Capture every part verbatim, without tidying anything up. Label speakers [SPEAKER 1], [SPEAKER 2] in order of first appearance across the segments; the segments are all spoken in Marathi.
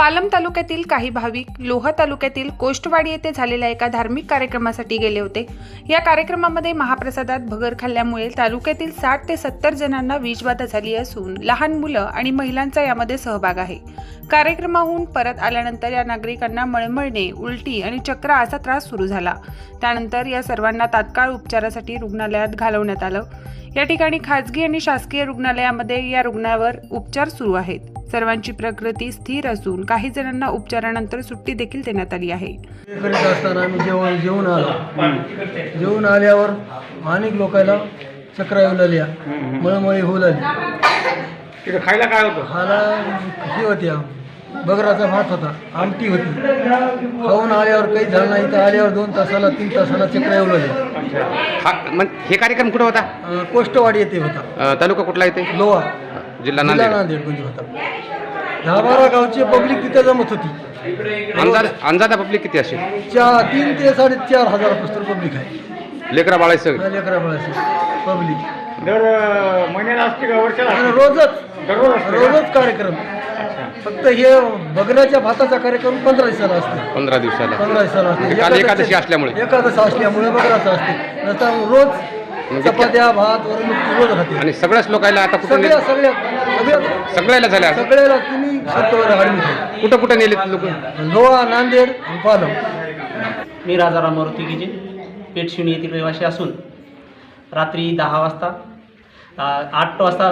[SPEAKER 1] पालम तालुक्यातील काही भाविक लोहा तालुक्यातील कोष्टवाडी येथे झालेल्या एका धार्मिक कार्यक्रमासाठी गेले होते। या कार्यक्रमामध्ये महाप्रसादात भगर खाल्ल्यामुळे तालुक्यातील साठ ते सत्तर जणांना विषबाधा झाली असून लहान मुलं आणि महिलांचा यामध्ये सहभाग आहे। कार्यक्रमाहून परत आल्यानंतर या नागरिकांना मळमळणे, उलटी आणि चक्र असा त्रास सुरू झाला। त्यानंतर या सर्वांना तात्काळ उपचारासाठी रुग्णालयात घालवण्यात आलं। या ठिकाणी खासगी आणि शासकीय रुग्णालयामध्ये या रुग्णावर उपचार सुरू आहेत। सर्वांची प्रकृती स्थिर असून काही जणांना उपचारानंतर सुट्टी देखील देण्यात आली आहे।
[SPEAKER 2] करीत असताना आम्ही जेवण जेवून आलो जेवून आल्यावर अनेक लोकांना चक्र येऊ लागल्या, मळमळी होऊ लागली।
[SPEAKER 3] तिथं खायला काय होतं?
[SPEAKER 2] खायला ही होती, बगराचा भात होता, आमटी होती। खाऊन आल्यावर काही झालं नाही तर आल्यावर दोन तासाला तीन तासाला चक्र येऊ लागले।
[SPEAKER 3] हा मग हे कार्यक्रम कुठं होता?
[SPEAKER 2] अं, कोष्टवाडी येथे होता।
[SPEAKER 3] अ, तालुका कुठला येते?
[SPEAKER 2] लोहा
[SPEAKER 3] जिल्हा
[SPEAKER 2] जिल्हा
[SPEAKER 3] नांदेड।
[SPEAKER 2] नांदेड मध्ये होता। दहा बारा गावची पब्लिक तिथे जमत होती।
[SPEAKER 3] अंदाज अंदाजा पब्लिक किती असेल?
[SPEAKER 2] चार तीन ते साडेचार हजारापासून पब्लिक आहे।
[SPEAKER 3] लेकरा बाळा सगळं
[SPEAKER 2] लेकरा बाळाची पब्लिक
[SPEAKER 4] दर महिन्याला असते का वर्षाला?
[SPEAKER 2] आणि रोजच
[SPEAKER 4] दररोज असते?
[SPEAKER 2] रोजच कार्यक्रम। फक्त हे बगराच्या भाताचा कार्यक्रम पंधरा दिवसाला असतो।
[SPEAKER 3] पंधरा दिवसाला
[SPEAKER 2] पंधरा दिवसाला असते।
[SPEAKER 3] काल एकादशी असल्यामुळे
[SPEAKER 2] एकादशी असल्यामुळे बगराचा असते। नंतर रोज चपात्या भात वरून रोज राहते।
[SPEAKER 3] आणि सगळ्याच लोकांना आता कुठं
[SPEAKER 2] सगळ्या
[SPEAKER 3] नेले?
[SPEAKER 2] सगळ्या सगळ्या
[SPEAKER 3] सगळ्याला झाल्या
[SPEAKER 2] सगळ्याला तुम्ही सत्तवर ॲडमिट आहे।
[SPEAKER 3] कुठं कुठं नेले लोक?
[SPEAKER 2] लोहा, नांदेड आणि पालम।
[SPEAKER 5] मी राजाराम मारुती गिजे पेठशिवणी येथील रहिवासी असून रात्री दहा वाजता अ, आठ वाजता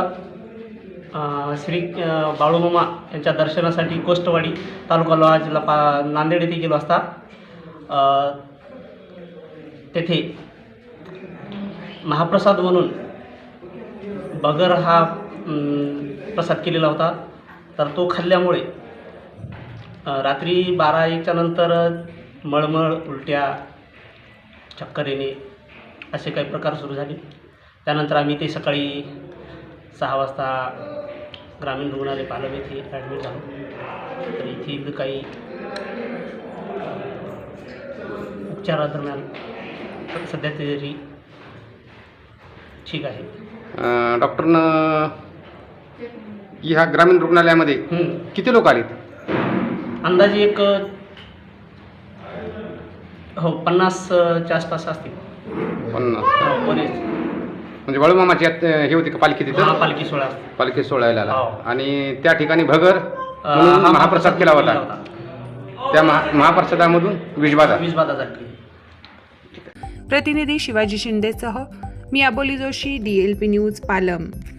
[SPEAKER 5] अ, श्री अ, बाळूमामा यांच्या दर्शनासाठी कोष्टवाडी तालुका लोहा जिल्हा पा नांदेड येथे गेलो असता अ, तेथे महाप्रसाद म्हणून बगर हा अम, प्रसाद केलेला होता। तर तो खाल्ल्यामुळे अ, रात्री बारा एकच्या नंतर मळमळ, उलट्या, चक्कर येणे असे काही प्रकार सुरू झाले। त्यानंतर आम्ही ते सकाळी सहा वाजता ग्रामीण रुग्णालय पालम येथे ॲडमिट झालो। तर येथील काही उपचारादरम्यान सध्या तरी ठीक आहे।
[SPEAKER 3] अ, डॉक्टरनं ह्या ग्रामीण रुग्णालयामध्ये
[SPEAKER 5] हं.
[SPEAKER 3] किती लोक आलेत?
[SPEAKER 5] अंदाजे एक हो पन्नासच्या आसपास असतील।
[SPEAKER 3] पन्नास
[SPEAKER 5] हो, बरेच
[SPEAKER 3] म्हणजे बाळूमामाची यात हे होती का पालखी तिथं?
[SPEAKER 5] हा पालखी सोहळा असतो।
[SPEAKER 3] पालखी सोहळ्याला आला
[SPEAKER 5] हो.
[SPEAKER 3] आणि त्या ठिकाणी भगर
[SPEAKER 5] अ,
[SPEAKER 3] म्हणून
[SPEAKER 5] हा
[SPEAKER 3] महाप्रसाद केला होता। त्या महा महाप्रसादामधून विषबाधा
[SPEAKER 5] विषबाधा झाली।
[SPEAKER 1] प्रतिनिधी शिवाजी शिंदेसह मी Aboli Joshi, D L P news, Palam.